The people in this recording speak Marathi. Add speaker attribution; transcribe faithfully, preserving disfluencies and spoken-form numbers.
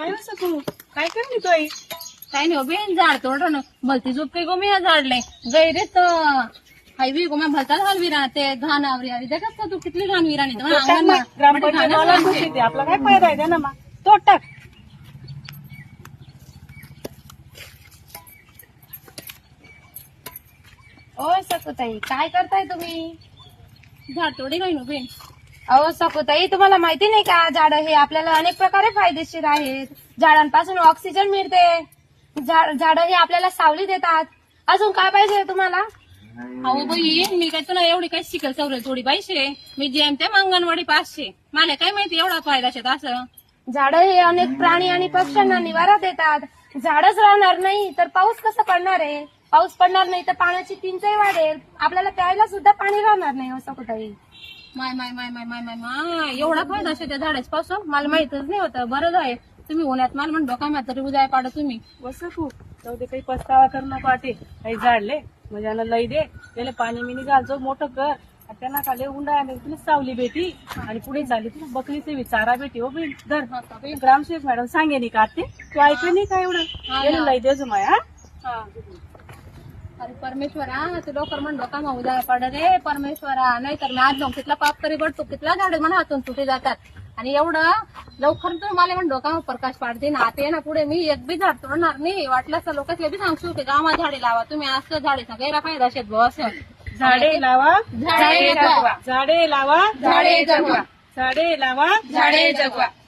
Speaker 1: काय नसं तू काय करली तू आई?
Speaker 2: काय नाही हो बेन झाड तोडणं भलती झोपते गो मी ह्या झाडले गैरेत हायवी गो मैं भलता घाल विरा ते घाण आवरी आवरी देखत का तू कितली घाण विराणी
Speaker 1: तो टाक ना, ग्रामपंचायत वाला खुशी ते आपला काय फायदा आहे ना मग तो टाक.
Speaker 3: ओ सकुताई काय करताय तुम्ही?
Speaker 2: झाड तोडी काय नो बेन.
Speaker 3: अहो सकुताई तुम्हाला माहिती नाही का झाड हे आपल्याला अनेक प्रकारे फायदेशीर आहेत. झाडांपासून ऑक्सिजन मिळते. झाड हे आपल्याला सावली देतात. अजून काय पाहिजे तुम्हाला?
Speaker 2: अहो बाई मी काय तुला एवढी काय शिकल सवरेल थोडी पाहिजे. मी जेम ते अंगणवाडी पाचशे मला काय माहिती एवढा फायदा शेत असं.
Speaker 3: झाड हे अनेक प्राणी आणि पक्ष्यांना निवारा देतात. झाडच राहणार नाही तर पाऊस कसं पडणार आहे? पाऊस पडणार नाही तर पाण्याची टंचाई वाढेल. आपल्याला प्यायला सुद्धा पाणी राहणार नाही. असं कुठेही
Speaker 2: माय माय माय माय माय माय माय एवढा फायदा शेत त्या झाडाच्या पासून मला माहितच नाही होतं. बरं आहे तुम्ही उन्हात मला म्हणतो का म्या तरी उद्या पाडा तुम्ही
Speaker 1: बस तू जाऊ दे काही पस्तावा कर नको वाटे काही झाडले म्हणजे लई दे त्याला पाणी मिनी घालतो मोठं कर त्यांना खाली उंडा आले तुला सावली भेटी आणि पुढे झाली तुला बकरीचे चारा भेटी हो बी धर ग्रामसेवक मॅडम सांगे नाही का ते तू ऐकलं नाही का एवढं लई दे माया.
Speaker 2: अरे परमेश्वरा तू लवकर म्हणतो का मग उद्या पड रे परमेश्वरा नाही तर मी आज जाऊन तिथला पाप तरी बडतो तिथला झाड म्हणा हातून तुटे जातात आणि एवढं लवकर तू मला म्हणतो का प्रकाश पाडते ना आता ना पुढे मी एक बी झाड तोडणार नाही. वाटलं असं लोकांना बी सांगू की गावात झाडे लावा तुम्ही असं झाडेचा गैरा फायदा शेत भाऊ असं
Speaker 1: झाडे लावा
Speaker 2: झाडे जगवा
Speaker 1: झाडे लावा
Speaker 2: झाडे जगवा
Speaker 1: झाडे लावा
Speaker 2: झाडे जगवा.